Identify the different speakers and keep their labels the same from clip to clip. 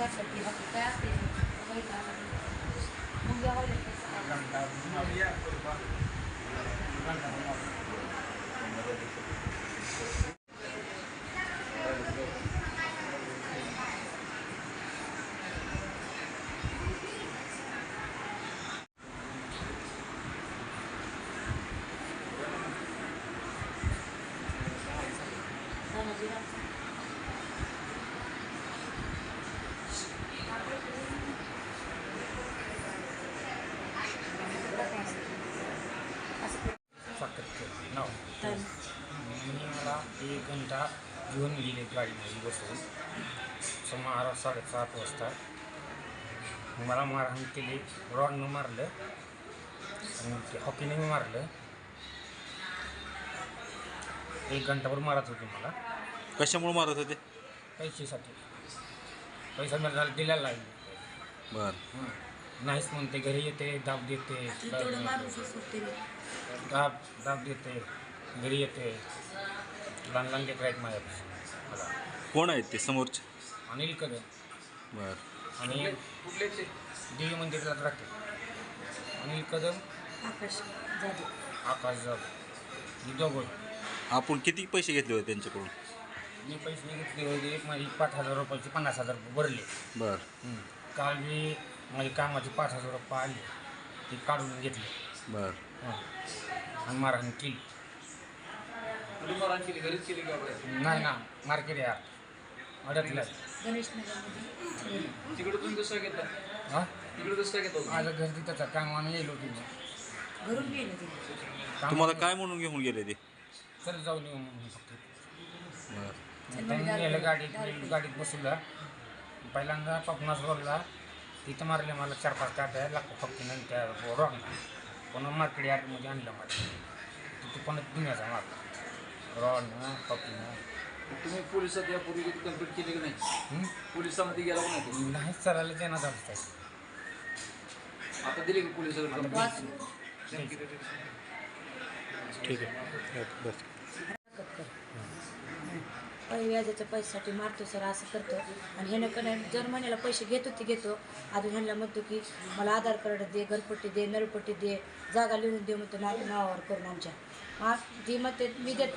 Speaker 1: करतात ती बाकी काय असते मग
Speaker 2: मला 1 घंटा घेऊन गेले गाडीमध्ये बसून सुमार 7:30 वाजता मला मारहाण केली. रॉडनं मारलं आणि ते हॉकीने मारलं. 1 घंटाभर मारत होते मला.
Speaker 3: कशामुळे मारत होते?
Speaker 2: पैशासाठी. पैसा मला दिलेला लागले.
Speaker 3: बरं.
Speaker 2: नाहीच म्हणते, घरी येते, दाब देते, दाब देते, घरी येते. लहान लहान लेकरं आहेत माझ्यापाशी. मला
Speaker 3: कोण आहेत ते समोरचे?
Speaker 2: अनिल कदम.
Speaker 3: बरं.
Speaker 2: आणि देवी मंदिरात राहते. अनिल कदम, आकाश जाधव ही दोघं.
Speaker 3: आपण किती पैसे घेतले होते त्यांच्याकडून?
Speaker 2: मी पैसे घेतले होते, माझी 5,000 रुपयाचे 50,000 रुपये भरले.
Speaker 3: बरं.
Speaker 2: काल मी माझी कामाचे 5,000 रुपये आले, ते काढून घेतले.
Speaker 3: बरं.
Speaker 2: आणि मारहाण केली.
Speaker 4: मारहाण केली घरीच केली का?
Speaker 2: नाही ना, मार्केट यार अडकलं.
Speaker 4: तिकडे तुम्ही कसं घेता?
Speaker 2: हां,
Speaker 4: तिकडे कसं घेतो?
Speaker 2: माझं घर तिथंच कामाने येईल होती.
Speaker 1: घरून गेले ते.
Speaker 3: तुम्हाला काय म्हणून घेऊन गेले ते?
Speaker 2: चल जाऊन येऊ म्हणून फक्त.
Speaker 3: बरं.
Speaker 2: त्यांनी गेलं गाडीत बसवलं. पहिल्यांदा पपनास रोडला तिथं मारले मला 4-5 काट्या लागतो फक्त. त्या रॉडला पुन्हा मार्केट यार्डमध्ये आणलं मला. तिथे पुन्हा दुनियाचा मारला रॉडनं पपीनं.
Speaker 4: तुम्ही पोलिसात यापूर्वी कंप्लीट केली की नाही? पोलिसांमध्ये गेला नाही?
Speaker 2: नाही, चालायला देणार झालं.
Speaker 4: आता दिली की पोलिसांकडे?
Speaker 3: ठीक आहे, बस.
Speaker 1: व्याजाच्या पैशासाठी मारतो सर, असं करतो. आणि ह्यानं कडे जर महिन्याला पैसे घेतो अजून ह्यांना म्हणतो की मला आधार कार्ड दे, घरपट्टी दे, नळपट्टी दे, जागा लिहून दे म्हणतो नावावर करून आमच्या. ती मग मी देत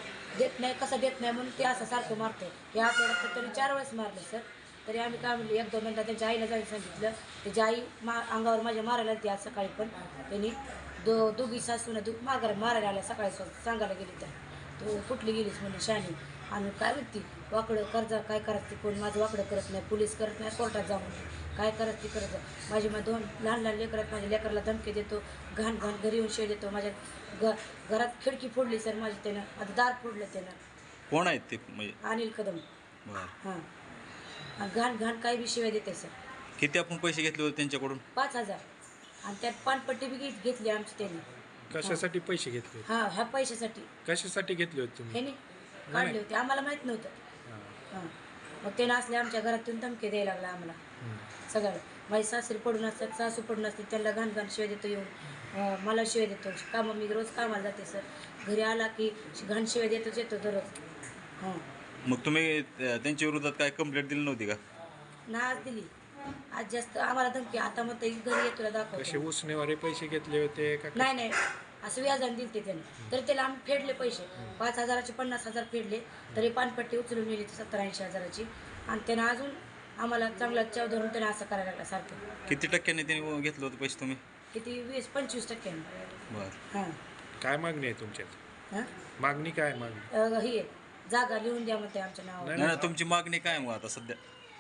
Speaker 1: नाही कसं देत नाही म्हणून ते असं सारखं मारतो. या आठवड्यात तर तरी 4 वेळेस मारलं सर. तरी आम्ही काय म्हणलं, 1-2 मिनटं त्यांच्या आईला जायला सांगितलं. त्याची आई अंगावर माझ्या मारायला ती आज सकाळी पण त्यांनी दोघी सासून मारायला आल्या सकाळी सांगायला गेली. तर तू कुठली गेलीस म्हणून शानी. आणि काय म्हणते वाकडं कर्जा काय करत ती, कोण माझं वाकडं करत नाही, पोलीस करत नाही, कोर्टात जाऊन काय करत ती करत. माझी 2 लहान लेकरं आहेत. माझ्या लेकराला धमकी देतो, घाण घरी येऊन शेळ देतो. माझ्या घरात खिडकी फोडली सर माझी त्यानं. आता दार फोडलं त्यानं.
Speaker 3: कोण आहेत ते?
Speaker 1: अनिल कदम.
Speaker 3: बरं.
Speaker 1: हां, घाण काही बी शिवाय देते सर.
Speaker 3: किती आपण पैसे घेतले होते त्यांच्याकडून?
Speaker 1: 5,000. आणि त्यात पानपट्टी बी घेतली आमची त्यांनी.
Speaker 5: कशासाठी पैसे घेतले?
Speaker 1: हां, ह्या पैशासाठी.
Speaker 5: कशासाठी घेतले होते तुम्ही?
Speaker 1: ह्याने काढले होते, आम्हाला माहीत नव्हतं. हां, मग त्यानं असले आमच्या घरातून धमके द्यायला लागला आम्हाला सगळं. माझी सासरी पडून असतात, सासू पडून असते, त्यांना घाण शिवाय देतो येऊन. मला शिवाय देतो. मी रोज कामाला जाते सर. घरी आला की घाण शिवाय देतोच येतो दररोज. हां.
Speaker 3: मग तुम्ही त्यांच्या विरोधात काय कंप्लेंट दिली नव्हती का?
Speaker 1: ना आज दिली. आज जास्त आम्हाला धमकी. आता मग घरी येतो दाखवतो.
Speaker 5: कसे उसनेवारे पैसे घेतले होते का?
Speaker 1: नाही असं व्याजाने दिलते त्याने. तरी त्याला आम्ही फेडले पैसे. 5,000चे 50,000 फेडले. तरी पानपट्टी उचलून नेली 70-80 हजाराची. आणि त्यानं अजून आम्हाला चांगला चव धरून त्यानं असं करायला लागला सारखं.
Speaker 3: किती टक्क्याने त्यांनी घेतलं होतं पैसे तुम्ही?
Speaker 1: किती 20-25%.
Speaker 3: बरं.
Speaker 1: हां.
Speaker 5: काय मागणी आहे तुमच्यात?
Speaker 1: हां,
Speaker 5: मागणी काय मागणी?
Speaker 1: ही जागा लिहून द्या म्हणते आमच्या नावावर.
Speaker 3: नाही, तुमची मागणी काय मग आता सध्या?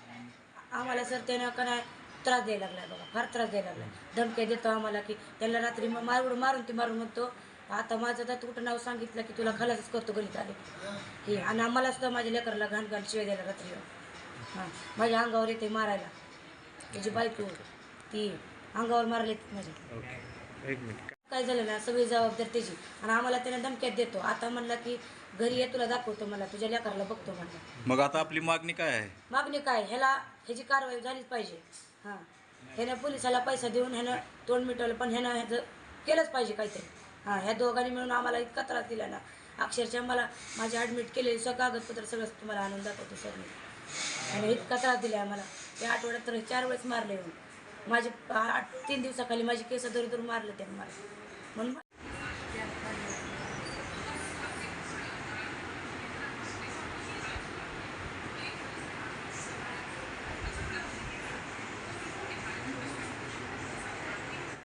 Speaker 1: आम्हाला सर त्यानं का नाही त्रास द्यायला लागला बघा, फार त्रास द्यायला लागला. धमक्या देतो आम्हाला की त्यांना रात्री मारून म्हणतो आता माझं तर कुठं नाव सांगितलं की तुला खलासच करतो गलीत आले हे. आणि आम्हाला सुद्धा माझ्या लेकराला घाण शिवाय द्यायला रात्री. हां, माझ्या अंगावर येते मारायला. त्याची बायको ती अंगावर मारले माझ्या.
Speaker 5: Okay, 1 minute.
Speaker 1: काय झालं ना, सगळी जबाबदारी त्याची. आणि आम्हाला त्यानं धमक्यात देतो. आता म्हणला की घरी ये, तुला दाखवतो, मला तुझ्या लेकराला बघतो म्हणलं.
Speaker 3: मग आता आपली मागणी काय आहे?
Speaker 1: मागणी काय, ह्याची कारवाई झालीच पाहिजे. हां, ह्यानं पोलिसाला पैसा देऊन ह्यानं तोंड मिटवलं, पण ह्यानं ह्याचं केलंच पाहिजे काहीतरी. हां, ह्या दोघांनी मिळून आम्हाला इतका त्रास दिला ना, अक्षरशः मला माझे ॲडमिट केलेले कागदपत्र सगळं तुम्हाला आणून दाखवतो सर मी. आणि इतका त्रास दिला आम्हाला त्या आठवड्यात तर 4 वेळेस मारले येऊन माझे 3 दिवसाखाली माझी केस धरून मारले त्याने मला म्हणून